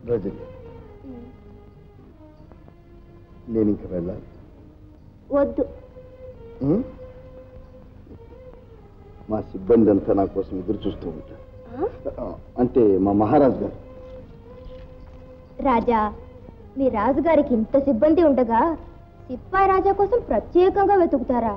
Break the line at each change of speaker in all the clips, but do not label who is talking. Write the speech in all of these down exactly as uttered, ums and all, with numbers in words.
రజని, నేను ఇంక వెళ్ళాలి.
వద్దు.
మా సిబ్బంది అంతా నా కోసం ఎదురు చూస్తూ ఉంటారు. అంటే మా మహారాజు గారు.
రాజా, మీ రాజుగారికి ఇంత సిబ్బంది ఉండగా సిప్పాయి రాజా కోసం ప్రత్యేకంగా వెతుకుతారా?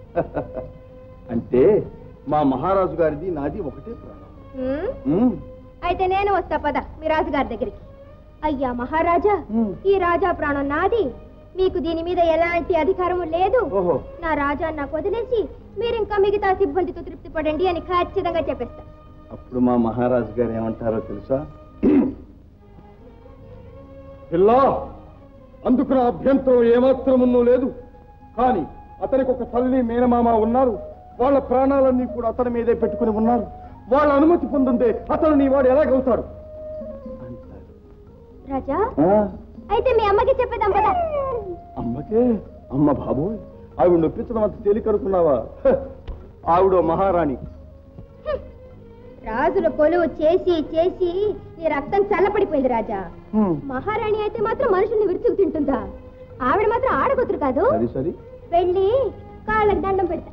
అంటే మా మహారాజు గారిది నాది ఒకటే ప్రాణం.
అయితే నేను వస్తా పద మీ రాజుగారి దగ్గరికి. అయ్యా మహారాజా, ఈ రాజా ప్రాణం నాది, మీకు దీని మీద ఎలాంటి అధికారము లేదు. నా రాజా నాకు వదిలేసి మీరు ఇంకా మిగతా సిబ్బందితో తృప్తి పడండి అని ఖచ్చితంగా చెప్పేస్తా.
అప్పుడు మా మహారాజు గారు ఏమంటారో తెలుసా? పిల్లా, అందుకు నా అభ్యంతరం ఏమాత్రమున్నూ లేదు. కానీ అతనికి ఒక తల్లి మేనమామ ఉన్నారు. వాళ్ళ ప్రాణాలన్నీ కూడా అతని మీదే పెట్టుకుని ఉన్నారు. వాళ్ళ అనుమతి పొందుంటే అతను నీ వాడు ఎలాగవుతాడు?
రాజా, అయితే మీ అమ్మకి చెప్పేదాం కదా.
అమ్మకే? అమ్మ బాబోయ్, ఆవిడ నొప్పించడం అంత తేలికనుకున్నావా? ఆవిడ మహారాణి.
రాజుల కొలువు చేసి చేసి నీ రక్తం చల్లపడిపోయింది రాజా. మహారాణి అయితే మాత్రం మనుషుల్ని విరుచుకు తింటుందా? ఆవిడ మాత్రం ఆడగొతురు కాదు. వెళ్ళి కాళ్ళకి దండం పెడతా,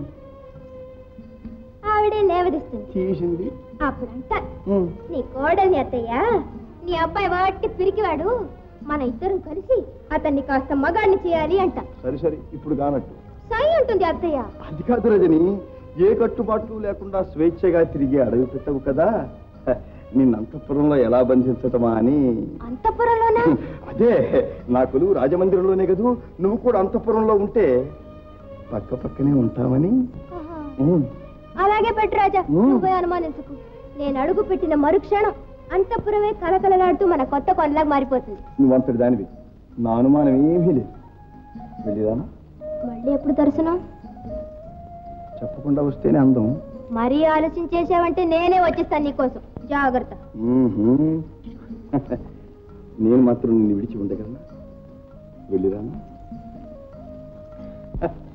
ఆవిడే లేవదిస్తుంది. అప్పుడంట నీ కోడల్ని అత్తయ్య, నీ అబ్బాయి వాటి పిరికివాడు, మన ఇద్దరం కలిసి అతన్ని కాస్త మగాడిని చేయాలి అంట.
సరే సరే, ఇప్పుడు కానట్టు
సై ఉంటుంది అత్తయ్య.
అది కాదు రజని, ఏ కట్టుబాట్లు లేకుండా స్వేచ్ఛగా తిరిగి అడవి పెట్టవు కదా, నిన్న అంతఃపురంలో ఎలా బంధించటమా అని.
అంతఃపురంలోనా?
అదే, నా కొలువు రాజమందిరంలోనే కదూ, నువ్వు కూడా అంతఃపురంలో ఉంటే పక్క పక్కనే ఉంటావని.
అలాగే పెట్టు రాజా, నువ్వే అనుమానించుకు. నేను అడుగు పెట్టిన మరుక్షణం అంతఃపురమే కలకలలాడుతూ మన కొత్త కొండలాగా మారిపోతుంది.
నువ్వంతటి దానివి, నా అనుమానం ఏమీ లేదు. వెళ్ళిరానా?
మళ్ళీ ఎప్పుడు దర్శనం?
చెప్పకుండా వస్తేనే అందం.
మరీ ఆలోచన చేసావంటే నేనే వచ్చేస్తాను నీకోసం. జాగ్రత్త.
నేను మాత్రం నిన్ను విడిచి ఉండగలనా? వెళ్ళిరానా?